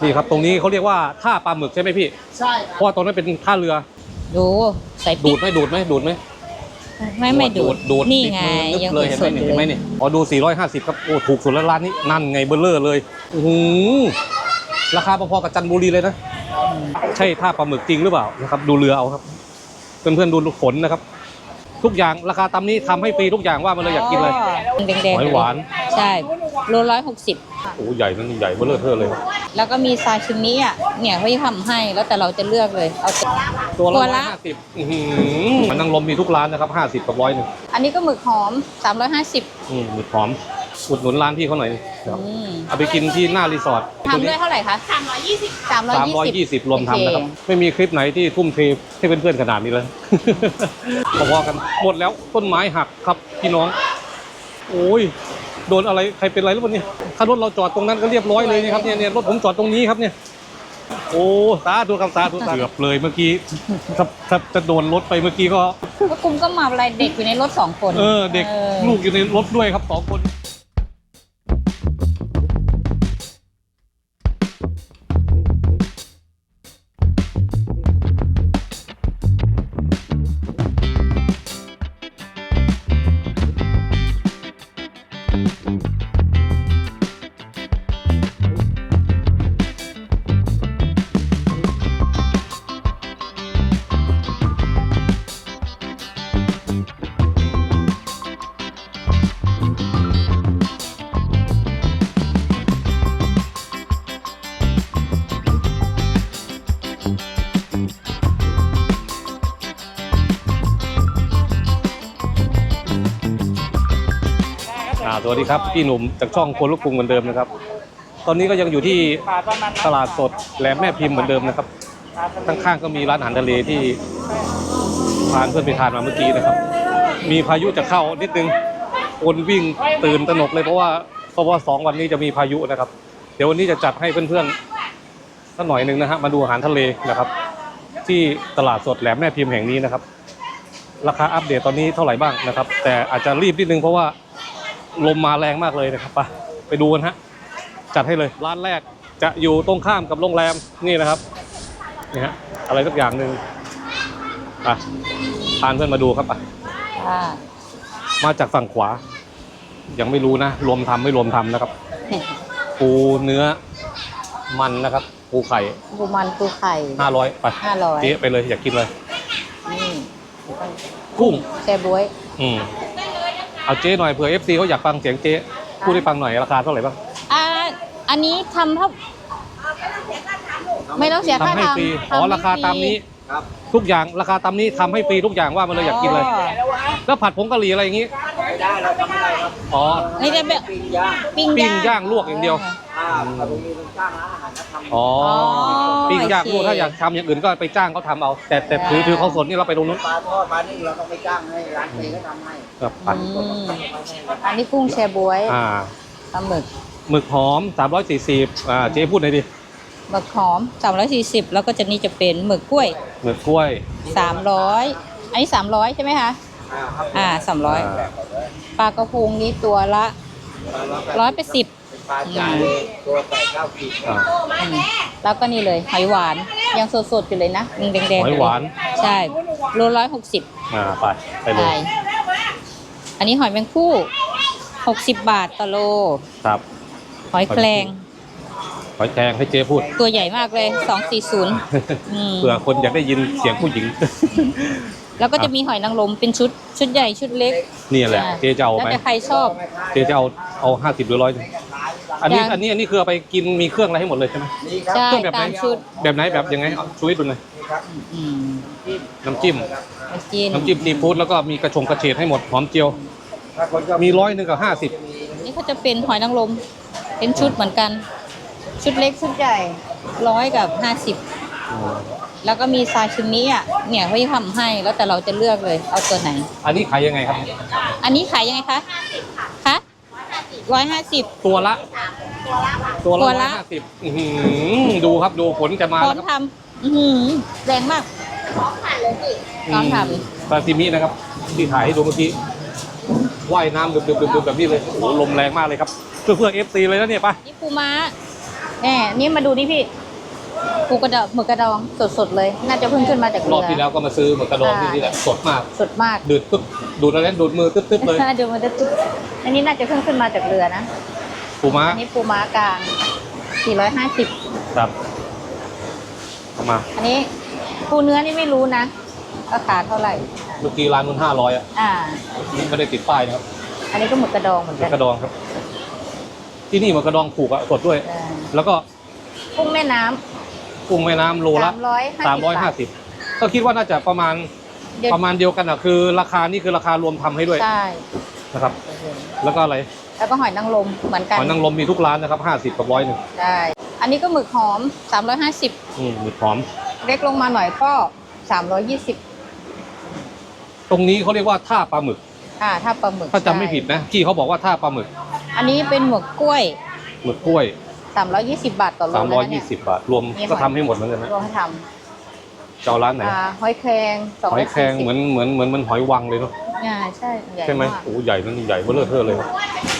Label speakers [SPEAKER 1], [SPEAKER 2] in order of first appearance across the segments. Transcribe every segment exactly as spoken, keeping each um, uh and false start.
[SPEAKER 1] นี่ครับตรงนี้เขาเรียกว่าท่าปลาหมึกใช่ไหมพี่
[SPEAKER 2] ใช่
[SPEAKER 1] เพราะว่าตรงนั้นเป็นท่าเรือ
[SPEAKER 3] ดูใส่
[SPEAKER 1] ดูดไหมดูดไหมดูดไหม
[SPEAKER 3] ไม่ไม่ดูด
[SPEAKER 1] ดูด
[SPEAKER 3] นี่ไง
[SPEAKER 1] ยังเลยเห็นไหมเห็นไหมนี่อ๋อดูสี่ร้อยห้าสิบครับโอ้ถูกสุดแล้วร้านนี้นั่นไงเบลเลอร์เลยโอ้โหราคาพอๆกับจันทบุรีเลยนะใช่ท่าปลาหมึกจริงหรือเปล่านะครับดูเรือเอาครับเพื่อนๆดูฝนนะครับทุกอย่างราคาตามนี้ทำให้ฟรีทุกอย่างว่ามันเลยอยากกินเลย
[SPEAKER 3] แดงๆ
[SPEAKER 1] หอยหวาน
[SPEAKER 3] ใช่โลร้อยหกสิบ
[SPEAKER 1] โอ้ใหญ่นั่นใหญ่เบลเลอร์เทอร์เลย
[SPEAKER 3] แล้วก็มีซาชิมิอ่ะเนี่ยเขาจะทำให้แล้วแต่เราจะเลือกเลยเอา
[SPEAKER 1] ตัวละร้อยห้าสิบมันนั่งลมมีทุกร้านนะครับห้าสิบกับร้อยหนึ่ง
[SPEAKER 3] อันนี้ก็หมึกหอมสามร้อยห้าสิบ
[SPEAKER 1] อืมหมึกหอมอุดหนุนร้านพี่เขาหน่อยเอาไปกินที่หน้ารีสอร์ท
[SPEAKER 3] ทำด้วยเท่าไหร่คะสามร้อยยี่สิบสามร้อยยี่สิบ
[SPEAKER 1] รวมทำนะครับไม่มีคลิปไหนที่ทุ่มเทให้เพื่อนๆขนาดนี้เลยพอๆกันหมดแล้วต้นไม้หักครับพี่น้องโอ้ยโดนอะไรใครเป็นอะไรหรือเปล่าเนี่ยถ้ารถเราจอดตรงนั้นก็เรียบร้อยเลยนะครับเนี่ยเนี่ยรถผมจอดตรงนี้ครับเนี่ยโอ้สาธุครับสาธุเกือบเลยเมื่อกี้ถ้าถ้าจะโดนรถไปเมื่อกี้ก็
[SPEAKER 3] ก็คุมก็มาอะไรเด็กอยู่ในรถสองคน
[SPEAKER 1] เออเด็กลูกอยู่ในรถด้วยครับสองคนสวัสดีครับพี่หนุ่มจากช่องคนลูกกรุงเหมือนเดิมนะครับตอนนี้ก็ยังอยู่ที่ตลาดสดแหลมแม่พิมพ์เหมือนเดิมนะครับข้างๆก็มีร้านอาหารทะเลที่พาเพื่อนไปทานมาเมื่อกี้นะครับมีพายุจะเข้านิดนึงคนวิ่งตื่นตระหนกเลยเพราะว่าเพราะว่าสองวันนี้จะมีพายุนะครับเดี๋ยววันนี้จะจัดให้เพื่อนๆสักหน่อยนึงนะฮะมาดูอาหารทะเลนะครับที่ตลาดสดแหลมแม่พิมพ์แห่งนี้นะครับราคาอัปเดตตอนนี้เท่าไหร่บ้างนะครับแต่อาจจะรีบนิดนึงเพราะว่าลมมาแรงมากเลยนะครับไปไปดูกันฮะจัดให้เลยร้านแรกจะอยู่ตรงข้ามกับโรงแรมนี่นะครับนี่ฮะอะไรสักอย่างหนึ่งไปพาเพื่อนมาดูครับไปมาจากฝั่งขวายังไม่รู้นะรวมทำไม่รวมทำนะครับปูเนื้อมันนะครับปูไข่
[SPEAKER 3] ปูมันปูไข่
[SPEAKER 1] ห้าร้อยไป
[SPEAKER 3] ห้าร้อย
[SPEAKER 1] เจ๊ไปเลยอยากกินเลย
[SPEAKER 3] นี่
[SPEAKER 1] กุ้ง
[SPEAKER 3] แซ่บบ๊วย
[SPEAKER 1] อืมเอาเจ๊หน่อยเผื่อ เอฟ ซี เขาอยากฟังเสียงเจ๊พูดให้ฟังหน่อยราคาเท่าไหร่บ้าง
[SPEAKER 3] อ่าอันนี้ทำเท่าไม่ต้องเสียค่าทำให้
[SPEAKER 1] ฟรีอ๋อราคาตามนี้ทุกอย่างราคาตามนี้ทำให้ฟรีทุกอย่างว่ามันเลยอยากกินเลยแล้วผัดผงกะหรี่อะไรอย่างงี้
[SPEAKER 2] ไม่ได้เราทำอะไรครับ
[SPEAKER 1] อ๋อ
[SPEAKER 3] นี่จะแบบ
[SPEAKER 2] ปิ้งย่าง
[SPEAKER 3] ปิ้ง
[SPEAKER 1] ย่างลวกอย่างเดียว
[SPEAKER 2] อ่าเรามีจ้างร้านอาหารเขาทำ
[SPEAKER 1] อ๋อปิ้งย่างลวกถ้าอยากทำอย่างอื่นก็ไปจ้างเขาทำเอาแต่แต่ถือถือเขาสดนี่เราไปตรงนู้น
[SPEAKER 2] ปลาทอดปลานึ่งเราต้องไปจ้างให้ร้านเฟย์เขาทำให้
[SPEAKER 1] ครับ
[SPEAKER 3] อันนี้กุ้งแช่บ๊วย
[SPEAKER 1] อ่า
[SPEAKER 3] ปลาหมึก
[SPEAKER 1] หมึกหอมสามร้อยสี่สิบอ่าเจ๊พูดหน่อยดิ
[SPEAKER 3] หมึกหอมสามร้อยสี่สิบแล้วก็จะนี่จะเป็นหมึกกล้วย
[SPEAKER 1] หมึกกล้วย
[SPEAKER 3] สามร้อยอันนี้สามร้อยใช่ไหมคะอ่าสามร้อยปลากระพงนี้ตัวละร้อยแปดสิบ
[SPEAKER 2] ปลาจานตัวแปดเก้าขีด
[SPEAKER 3] แล้วก็นี่เลยหอยหวานยังสดๆอยู่เลยนะยังแดงๆ
[SPEAKER 1] หอยหวาน
[SPEAKER 3] ใช่โลร้อยหกสิบ
[SPEAKER 1] อ่าไปไปเลย
[SPEAKER 3] อันนี้หอยแมงคู่หกสิบบาทต่อโล
[SPEAKER 1] ครับ
[SPEAKER 3] หอยแครง
[SPEAKER 1] หอยแครงให้เจ๊พูด
[SPEAKER 3] ตัวใหญ่มากเลยสองสี่ศูนย์
[SPEAKER 1] เผื่อคนอยากได้ยินเสียงผู้หญิง
[SPEAKER 3] แล้วก็จะมีหอยนางรมเป็นชุดชุดใหญ่ชุดเล็ก
[SPEAKER 1] นี่แหละเจ๊จะเอาไหม
[SPEAKER 3] แล้วแต่ใครชอบ
[SPEAKER 1] เจ๊จะเอาเอาห้าสิบหรือร้อยอันนี้อันนี้อันนี้คือเอาไปกินมีเครื่องอะไรให้หมดเลยใช่ไหม
[SPEAKER 3] ใช่
[SPEAKER 1] แบบไหน
[SPEAKER 3] ชุด
[SPEAKER 1] แบบไหนแบบยังไงช่วยดูหน่อยน้ำจิ้มน้ำจิ้มซีฟู้ดแล้วก็มีกระชงกระเฉดให้หมดหอมเจียวมีร้อยหนึ่งกับห้าสิบ
[SPEAKER 3] นี่เขาจะเป็นหอยนางรมเป็นชุดเหมือนกันชุดเล็กชุดใหญ่ร้อยกับห้าสิบแล้วก็มีซาชิมิอ่ะเนี่ยเขาจะทำให้แล้วแต่เราจะเลือกเลยเอาตัวไหน
[SPEAKER 1] อันนี้ขายยังไงครับ
[SPEAKER 3] อันนี้ขายยังไงคะคะร้อยห้าสิบ
[SPEAKER 1] ตัวละตัวละร้อยห้าสิบดูครับดูผลจะมา
[SPEAKER 3] พร้อมทำแรงมากพร้อมทำเลยสิพร้อมท
[SPEAKER 1] ำซาชิมินะครับที่ถ่ายให้ดูเมื่อกี้ว่ายน้ำดึบๆแบบนี้เลยโอ้โหลมแรงมากเลยครับเพื่อเพื่อเอฟซีเลยนะเนี่ยป่ะ
[SPEAKER 3] นี่ปูม้าแน่นี่มาดูนี่พี่ปูกระดองหมึกกระดองสดๆเลย น่าจะเพิ่งขึ้นมาจาก
[SPEAKER 1] ร
[SPEAKER 3] เรือ
[SPEAKER 1] อบที่แล้วก็มาซื้อหมึกกระดองที่นี่แหละสดมาก
[SPEAKER 3] สดมาก
[SPEAKER 1] ดูดปึ๊บดูดอะไรดูดมือตึ๊บๆเลย
[SPEAKER 3] ดูมันจะจุ๊บอันนี้น่าจะเพิ่งขึ้นมาจากเรือนะ
[SPEAKER 1] ปูม้า
[SPEAKER 3] อันนี้ปูม้ากลางสี่ร้อยห้าสิบ
[SPEAKER 1] ครับเอามา
[SPEAKER 3] อันนี้ปูเนื้อนี่ไม่รู้นะราคาเท่าไหร่
[SPEAKER 1] เมื่อกี้ร้านมันห้าร้อยอ่ะ
[SPEAKER 3] อ่า
[SPEAKER 1] นี่ไม่ได้ติดป้ายนะครับ
[SPEAKER 3] อันนี้ก็หมึกกระดองเหมือน
[SPEAKER 1] หมึ
[SPEAKER 3] กั
[SPEAKER 1] ก
[SPEAKER 3] น
[SPEAKER 1] กระดองครับ ที่นี่หมึกกระดองผูกอะสดด้วย
[SPEAKER 3] อ่า
[SPEAKER 1] แล้วก็
[SPEAKER 3] กุ้งแม่น้ำ
[SPEAKER 1] กุ้งแม่น้ำโลละ
[SPEAKER 3] สามร้อยห้าสิบ
[SPEAKER 1] สามร้อยห้าสิบก็คิดว่าน่าจะประมาณ
[SPEAKER 3] เดี๋ยว
[SPEAKER 1] ประมาณเดียวกันอ่ะคือราคานี่คือราคารวมทำให้ด้วย
[SPEAKER 3] ใช่
[SPEAKER 1] นะครับ แล้วก็อะไร
[SPEAKER 3] แล้วก็หอยนางรมเหมือนกัน
[SPEAKER 1] หอยนางรมมีทุกร้านนะครับห้าสิบกับร้อยหนึ่ง
[SPEAKER 3] ได้อันนี้ก็หมึกหอมสามร้อยห้าสิบ
[SPEAKER 1] อืมหมึกหอม
[SPEAKER 3] เล็กลงมาหน่อยก็สามร้อยยี่สิบ
[SPEAKER 1] ตรงนี้เขาเรียกว่าท่าปลาหมึก
[SPEAKER 3] อ่าถ้าปลาหมึก
[SPEAKER 1] ถ้าจำไม่ผิดนะที่เขาบอกว่าท่าปลาหมึก
[SPEAKER 3] อันนี้เป็นหมึกกล้วย
[SPEAKER 1] หมึกกล้วย
[SPEAKER 3] สามร้อยยี่สิบบาทต่อโล
[SPEAKER 1] สามร้อย
[SPEAKER 3] นะเนี่
[SPEAKER 1] ยี่
[SPEAKER 3] ย
[SPEAKER 1] สิบบาท รวม
[SPEAKER 3] นี่
[SPEAKER 1] ก็
[SPEAKER 3] หอย
[SPEAKER 1] ทำให้หมดเหมือนกันนะ
[SPEAKER 3] รวมให้ท
[SPEAKER 1] เจ้าร้านไหน
[SPEAKER 3] ำอ่าหอยแครงสอง
[SPEAKER 1] หอยแครงเหมือนเหมือนเหมือนมันหอยวังเลยเนาะ
[SPEAKER 3] อ่าใช่ใหญ่
[SPEAKER 1] ใช่ไหม
[SPEAKER 3] มาก
[SPEAKER 1] โอ้ใหญ่นั่นใหญ่เบ้อเร่อเทอเลยครับ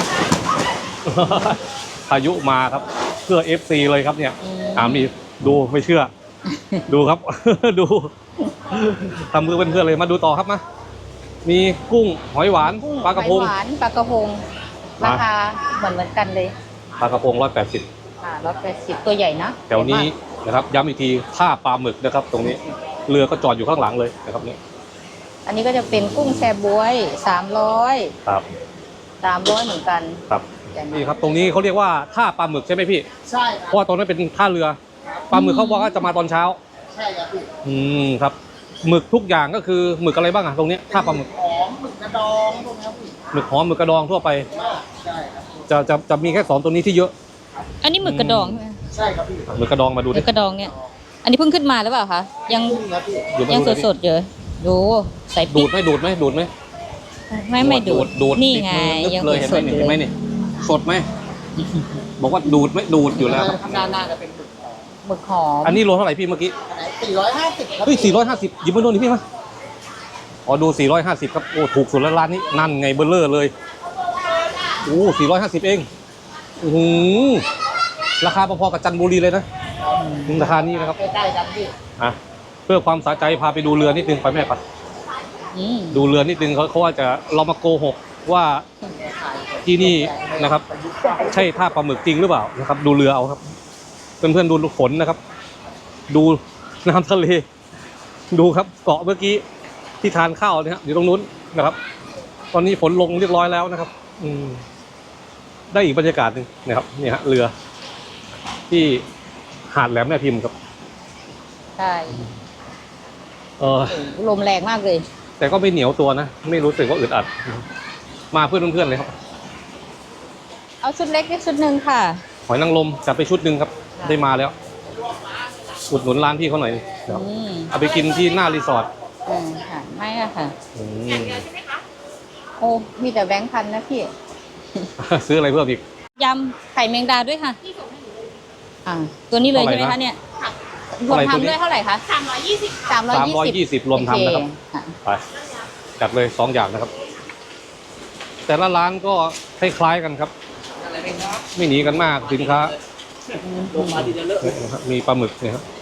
[SPEAKER 1] พายุมาครับเพื่อ เอฟ ซี เลยครับเนี่ยถามนี่ดูไม่เชื่อ ดูครับ ดูทำมือเป็นเพื่อนเลยมาดูต่อครับมามีกุ้งหอยหวาน
[SPEAKER 3] กุ้ง
[SPEAKER 1] ปลากระพง
[SPEAKER 3] หอยหวานปลากระพง
[SPEAKER 1] มา
[SPEAKER 3] ราคาเหมือนเหมือนกันเลย
[SPEAKER 1] ปลากระพงร้อยแปดสิบ
[SPEAKER 3] อ่าร้อยแปดสิบตัวใหญ่นะ
[SPEAKER 1] แถวนี้
[SPEAKER 3] ใหญ่มาก
[SPEAKER 1] นะครับย้ำอีกทีท่าปลาหมึกนะครับ ตรงนี้เรือก็จอดอยู่ข้างหลังเลยนะครับนี่
[SPEAKER 3] อันนี้ก็จะเป็นกุ้งแชบวยสามร้อย
[SPEAKER 1] ครับ
[SPEAKER 3] สามร้อยเหมือนกัน
[SPEAKER 1] ครับ
[SPEAKER 3] ใหญ่มาก
[SPEAKER 1] นี่ครับตรงนี้เขาเรียกว่าท่าปลาหมึกใช่ไหมพี่
[SPEAKER 2] ใช่ค
[SPEAKER 1] เพ
[SPEAKER 2] รับ
[SPEAKER 1] ราะว่าตรงนั้นเป็นท่าเรือปลาหมึกเขาบอกว่าจะมาตอนเช้า
[SPEAKER 2] ใช่ครับพี่
[SPEAKER 1] อืมครับหมึกทุกอย่างก็คือหมึกอะไรบ้างอะตรงเนี้ยท่าปลาหมึก
[SPEAKER 2] หอมหมึกกระดองพวกนี้ครับพี่
[SPEAKER 1] หมึกหอมหมึกกระดองทั่วไป
[SPEAKER 2] ใช่ครับ
[SPEAKER 1] จะจะจะมีแค่สองตัวนี้ที่เยอะ
[SPEAKER 3] อันนี้หมึกกระดองใช่ไหม
[SPEAKER 2] ใช่ครับพี่
[SPEAKER 1] หมึกกระดองมาดู
[SPEAKER 3] หมึ
[SPEAKER 1] ดิ
[SPEAKER 3] กกระดองเนี่ย อันนี้เพิ่งขึ้นมาหรือเปล่าคะยัง
[SPEAKER 2] กุ้งครับพี่
[SPEAKER 1] อยู่
[SPEAKER 3] ยัง
[SPEAKER 1] มา
[SPEAKER 3] สดๆอยู่ดูใส่
[SPEAKER 1] ดู
[SPEAKER 3] ปิ๊
[SPEAKER 1] ดไหมดูดไหมดูดไหม
[SPEAKER 3] ไม่ไม่ดูด
[SPEAKER 1] ดูด
[SPEAKER 3] นี่
[SPEAKER 1] ติด
[SPEAKER 3] ไง
[SPEAKER 1] มือนึบ
[SPEAKER 3] ยัง
[SPEAKER 1] เลยเห็น
[SPEAKER 3] ส
[SPEAKER 1] ไหม
[SPEAKER 3] ดๆ
[SPEAKER 1] นี่
[SPEAKER 3] อยู่
[SPEAKER 1] เห็นไหม
[SPEAKER 3] เลย
[SPEAKER 1] นี่สดไหมบอกว่าดูดไหมดูดอยู่แล้วครับ
[SPEAKER 2] ข้างหน้าหน้าจะเป็นหมึกหอม
[SPEAKER 3] หมึกหอม
[SPEAKER 1] อันนี้โลเท่าไหร่พี่เมื่อกี้
[SPEAKER 2] อันไหนสี่ร้อยห้าสิบครับ
[SPEAKER 1] เฮ้ยสี่ร้อยห้าสิบหยิบมาดูหน่อยพี่มาอ๋อดูสี่ร้อยห้าสิบครับโอ้ถูกสุดแล้วร้านนี้นั่นไงเบลเลอร์เลยโอ้สี่ร้อยห้าสิบเองโอ้โหราคาพอๆกับจันทบุรีเลยนะราคานี้นะครับ
[SPEAKER 2] ใกล้ๆกันพี่
[SPEAKER 1] อ่ะเพื่อความสะใจพาไปดูเรือนิดนึงไปแม่ปัด
[SPEAKER 3] อืม
[SPEAKER 1] ดูเรือนิดนึงเขาเขาว่าจะเรามาโกหกว่าที่นี่นะครับ ใช่ท่าปลาหมึกจริงหรือเปล่านะครับ ดูเรือเอาครับ เพื่อนๆดูฝนนะครับ ดูน้ำทะเล ดูครับเกาะเมื่อกี้ที่ทานข้าวเนี่ยอยู่ตรงนู้นนะครับ ตอนนี้ฝนลงเรียบร้อยแล้วนะครับ อืมได้อีกบรรยากาศหนึ่งนะครับเนี่ยฮะเรือ ที่หาดแหลมแม่พิมพ์ครับ
[SPEAKER 3] ใช่
[SPEAKER 1] เออ
[SPEAKER 3] ลมแรงมากเลย
[SPEAKER 1] แต่ก็ไม่เหนียวตัวนะ ไม่รู้สึกว่าอึดอัด มาเพื่อนเพื่อนๆเลยครับ
[SPEAKER 3] เอาชุดเล็กนี่ชุดหนึ่งค่ะ
[SPEAKER 1] หอยนางรมจัดไปชุดหนึ่งครับ ได้มาแล้ว อุดหนุนร้านพี่เขาหน่อยนะครับ
[SPEAKER 3] อืม
[SPEAKER 1] เอาไปกินที่หน้ารีสอร์ท
[SPEAKER 3] อืมค่ะไม่อะค่ะ
[SPEAKER 1] อืม
[SPEAKER 3] โอ้มีแต่แบงค์พันนะพี่
[SPEAKER 1] ซื้ออะไรเพิ่มอีก
[SPEAKER 3] ยำไข่แมงดาด้วยค่ะอ่าตัวนี้เลยใช่ไหม
[SPEAKER 1] เท่าไหร่
[SPEAKER 3] คะ
[SPEAKER 1] นะ
[SPEAKER 3] เนี่ยร
[SPEAKER 1] เท่าว
[SPEAKER 3] ม
[SPEAKER 1] ไหร่ตัวนี้
[SPEAKER 3] ทำด้วยเท่าไหร่คะสามร้อยยี่สิบสามร้อย
[SPEAKER 1] สามร้อยยี่สิบรวมทำนะครับ
[SPEAKER 3] ค่ะ
[SPEAKER 1] ไปจัดเลยสองอย่างนะครับ แต่ละร้านก็คล้ายๆกันครับ ไม่หนีกันมากสินค้า
[SPEAKER 2] ลงมาทีจะเลอะ
[SPEAKER 1] เนี่ยนะครับมีปลาหมึกเนี่ยครับ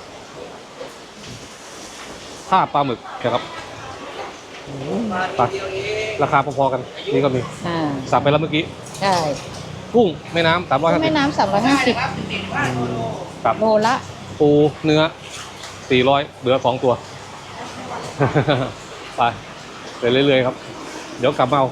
[SPEAKER 1] ท่าปลาหมึกนะครับไปราคาพอๆกัน นี่ก็มี
[SPEAKER 3] อ่า
[SPEAKER 1] สั่งไปแล้วเมื่อกี้
[SPEAKER 3] ใช่
[SPEAKER 1] กุ้งแม่น้ำสามร้อยห้าสิ
[SPEAKER 3] แม่
[SPEAKER 1] บ
[SPEAKER 3] น้ำสามร้อยห้าสิบ
[SPEAKER 1] กับ
[SPEAKER 3] โลละ
[SPEAKER 1] ปูเนื้อสี่ร้อยเหลือสองตัว ไปไปเรื่อยๆครับ เดี๋ยวกลับมาเอา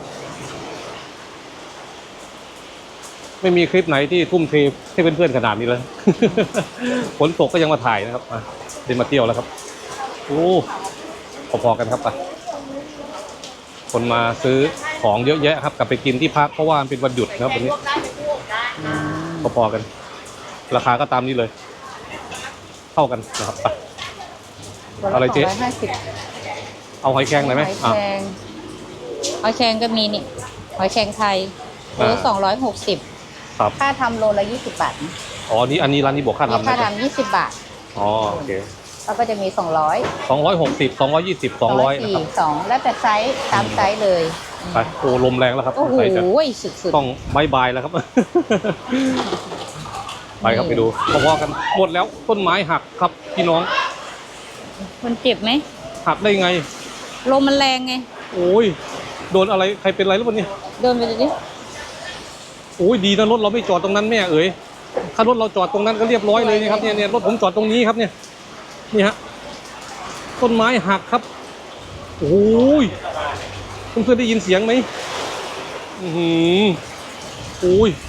[SPEAKER 1] ไม่มีคลิปไหนที่ทุ่มเทให้เพื่อนๆขนาดนี้เลย ฝนตกก็ยังมาถ่ายนะครับอ่ะเดินมาเที่ยวแล้วครับโอ้พอๆกันครับไปคนมาซื้อของเยอะแยะครับ กลับไปกินที่พักเพราะว่ามันเป็นวันหยุดนะครับวันนี้พอๆกัน ราคาก็ตามนี้เลย เท่ากันนะครับไป อะไรเจ๊
[SPEAKER 3] สงร้อยห้าสิบ
[SPEAKER 1] เอาหอยแครงหน่อยไหม
[SPEAKER 3] หอย
[SPEAKER 1] อ่ะ
[SPEAKER 3] แครงหอยแครงก็มีนี่หอยแครงไทยโล
[SPEAKER 1] อ่า
[SPEAKER 3] สองร้อยหกสิบ
[SPEAKER 1] ครับ
[SPEAKER 3] ค่าทำโลละยี่สิบบาทนะ
[SPEAKER 1] อ๋อนี่อันนี้ร้านนี้บวกค่า
[SPEAKER 3] มี
[SPEAKER 1] ทำ
[SPEAKER 3] ค่า
[SPEAKER 1] นะครับ
[SPEAKER 3] ทำยี่สิบบาท
[SPEAKER 1] อ๋อโอเค
[SPEAKER 3] แล้วก็จะมีสองร้อย
[SPEAKER 1] สองร้อยหกสิบสองร้อยยี่สิบสองร้อยนะ
[SPEAKER 3] สี่
[SPEAKER 1] ครับ
[SPEAKER 3] สองแล้วแต่ไซส์ตามไซส์เลย
[SPEAKER 1] ไปโอ้ลมแรงแล้วครับ
[SPEAKER 3] โอ้โห
[SPEAKER 1] ใส่จะ
[SPEAKER 3] สุด
[SPEAKER 1] ต้องบายบายแล้วครับไปครับไปดูพอๆกันหมดแล้วต้นไม้หักครับพี่น้อง
[SPEAKER 3] คนเจ็บไหม
[SPEAKER 1] หักได้ไง
[SPEAKER 3] ลมมันแรงไง
[SPEAKER 1] โอ้ยโดนอะไรใครเป็นอะไรหรือเปล่าเนี่ย
[SPEAKER 3] เดินไปดูดิ
[SPEAKER 1] โอ้ยดีนะรถเราไม่จอดตรงนั้นแม่เอ๋ยถ้ารถเราจอดตรงนั้นก็เรียบร้อยเลยนี่ครับเนี่ยเนี่ยรถผมจอดตรงนี้ครับเนี่ยนี่ฮะต้นไม้หักครับโอ้ยเพื่อนๆได้ยินเสียงไหมอือหือโอ้ย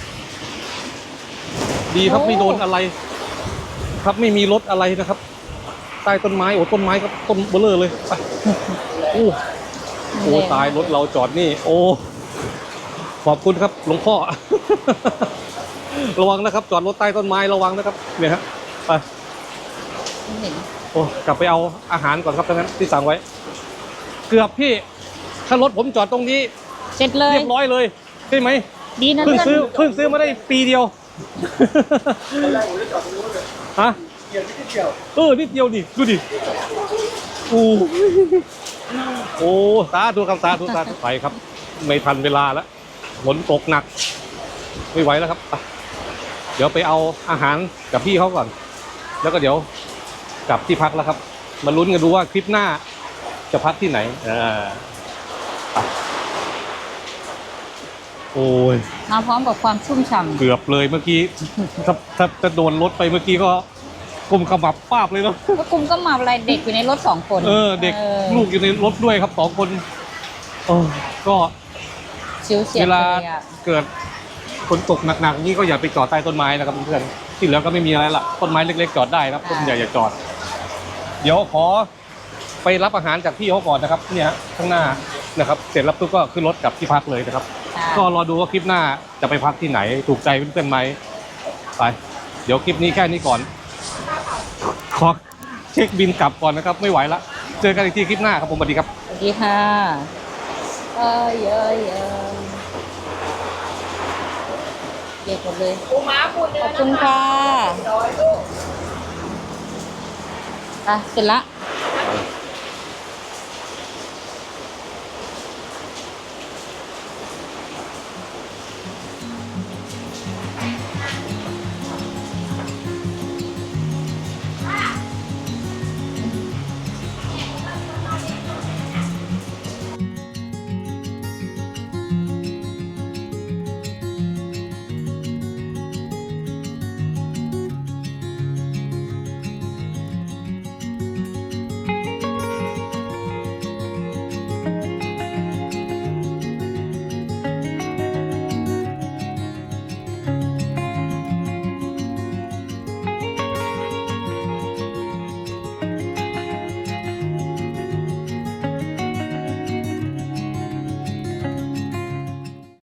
[SPEAKER 1] ดีครับไม่โดนอะไร ครับไม่มีรถอะไรนะครับใต้ต้นไม้โอ้ต้นไม้ครับต้นเบลอเลยไปโอ้โอ้ตายรถเราจอดนี่ โอ้ขอบคุณครับหลวงพ่อ ระวังนะครับจอดรถใต้ต้นไม้ระวังนะครับเนี่ยฮะไป
[SPEAKER 3] ไม่เห็น
[SPEAKER 1] โอ้กลับไปเอาอาหารก่อนครับทั้งนั้นที่สั่งไว้ เกือบพี่ถ้ารถผมจอดตรงนี้
[SPEAKER 3] เสร็จเลย
[SPEAKER 1] เรียบร้อยเลยใช่ไหม
[SPEAKER 3] ดีนะ
[SPEAKER 1] เพิ่ง
[SPEAKER 3] เลื่อน
[SPEAKER 1] ซื้อเพิ่งซื้อมาได้ปีเดียว
[SPEAKER 2] ตอนแรกผมจะจอดตรงนู้นเลย
[SPEAKER 1] ฮะ
[SPEAKER 2] เกี่ยวนิดเดียว
[SPEAKER 1] เออนิดเดียวดิดูดิโอ้โอ้สาธุครับสาธุสาธุไปครับ ไม่ทันเวลาแล้วฝนตกหนัก ไม่ไหวแล้วครับไปเดี๋ยวไปเอาอาหารกับพี่เขาก่อน แล้วก็เดี๋ยวกลับที่พักแล้วครับ มาลุ้นกันดูว่าคลิปหน้าจะพักที่ไหนอ่าไปโอ้ย
[SPEAKER 3] มาพร้อมกับความชุ่มฉ่ำ
[SPEAKER 1] เกือบเลยเมื่อกี้ ถ้าถ้าจะโดนรถไปเมื่อกี้ก็กลมขมับป้าบเลยเนาะ
[SPEAKER 3] ก็คุมก็มาอะไรเด็กอยู่ในรถสองคน
[SPEAKER 1] เออเด็ก
[SPEAKER 3] ออ
[SPEAKER 1] ลูกอยู่ในรถด้วยครับสองคนโอ้ก็
[SPEAKER 3] ชิวเฉีย
[SPEAKER 1] เว
[SPEAKER 3] ด
[SPEAKER 1] ลา
[SPEAKER 3] เลยอ่ะ
[SPEAKER 1] เกิดฝนตกหนักๆนี่ก็อย่าไปจอดใต้ต้นไม้นะครับเพื่อนๆที่เหลือก็ไม่มีอะไรละต้นไม้เล็กๆจอดได้นะครับต้นใหญ่อย่าจอด เดี๋ยวขอไปรับอาหารจากพี่เขาก่อนนะครับ เนี่ยฮะข้างหน้านะครับ เสร็จแล้วปุ๊บก็ขึ้นรถกลับที่พักเลยนะครับ
[SPEAKER 3] ค่ะ
[SPEAKER 1] ก็รอดูว่าคลิปหน้าจะไปพักที่ไหนถูกใจเพื่อนๆไหมไป เดี๋ยวคลิปนี้แค่นี้ก่อน ขอเช็คบินกลับก่อนนะครับ ไม่ไหวละ เจอกันอีกทีคลิปหน้าครับผมสวัสดีครับ
[SPEAKER 3] สวัสดีค่ะเอ้ยเอ้ยเอ้ยเด็กหมดเลยขอบคุณค่ะอ่ะเสร็จละ